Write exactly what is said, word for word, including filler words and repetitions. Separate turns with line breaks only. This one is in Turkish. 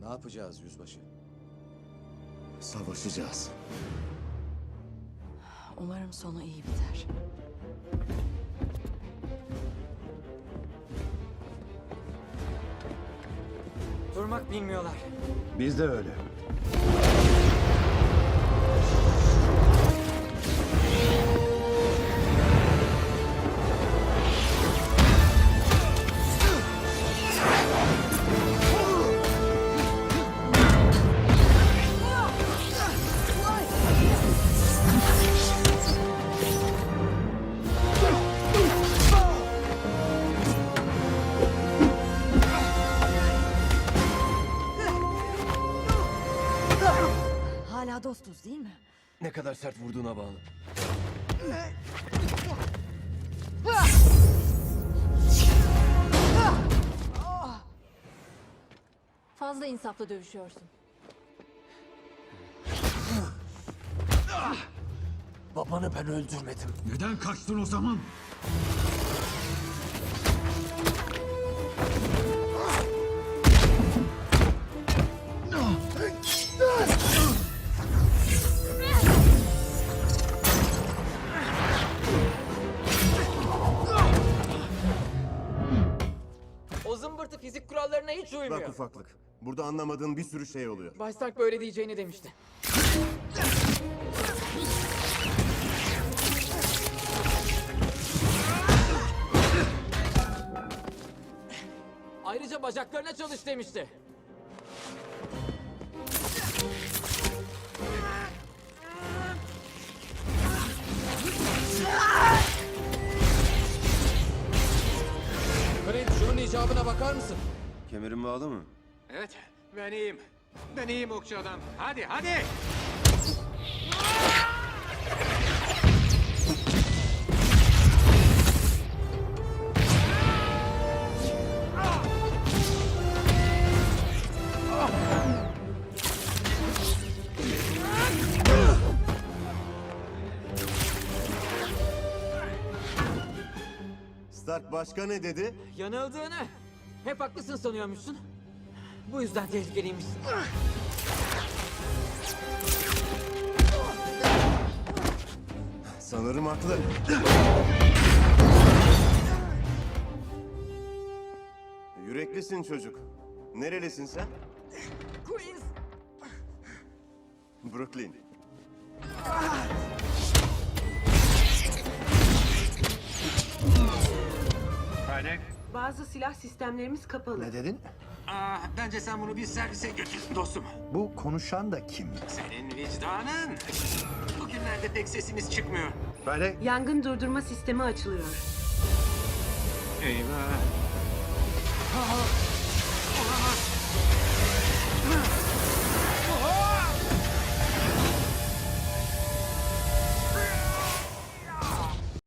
Ne yapacağız yüzbaşı?
Savaşacağız.
Umarım sonu iyi biter.
Durmak bilmiyorlar.
Biz de öyle.
Hala dostuz değil mi?
Ne kadar sert vurduğuna bağlı.
Fazla insaflı dövüşüyorsun.
Babanı ben öldürmedim.
Neden kaçtın o zaman?
O zımbırtı fizik kurallarına hiç uymuyor.
Bak ufaklık. Burada anlamadığın bir sürü şey oluyor.
Bay Stark böyle diyeceğini demişti. Ayrıca bacaklarına çalış demişti.
Clint, şunun icabına bakar mısın?
Kemerin bağlı mı?
Evet, ben iyiyim. Ben iyiyim okçu adam. Hadi, hadi!
Stark başka ne dedi?
Yanıldığını hep haklısın sanıyormuşsun. Bu yüzden tehlikeliymişsin.
Sanırım haklı. Yüreklisin çocuk. Nerelisin sen?
Queens!
Brooklyn.
Hadi.
Bazı silah sistemlerimiz kapalı.
Ne dedin?
Aa, bence sen bunu bir servise götür dostum.
Bu konuşan da kim?
Senin vicdanın. Bugünlerde pek sesimiz çıkmıyor.
Böyle
Yangın durdurma sistemi açılıyor.
Eyvah. Aa, olamaz.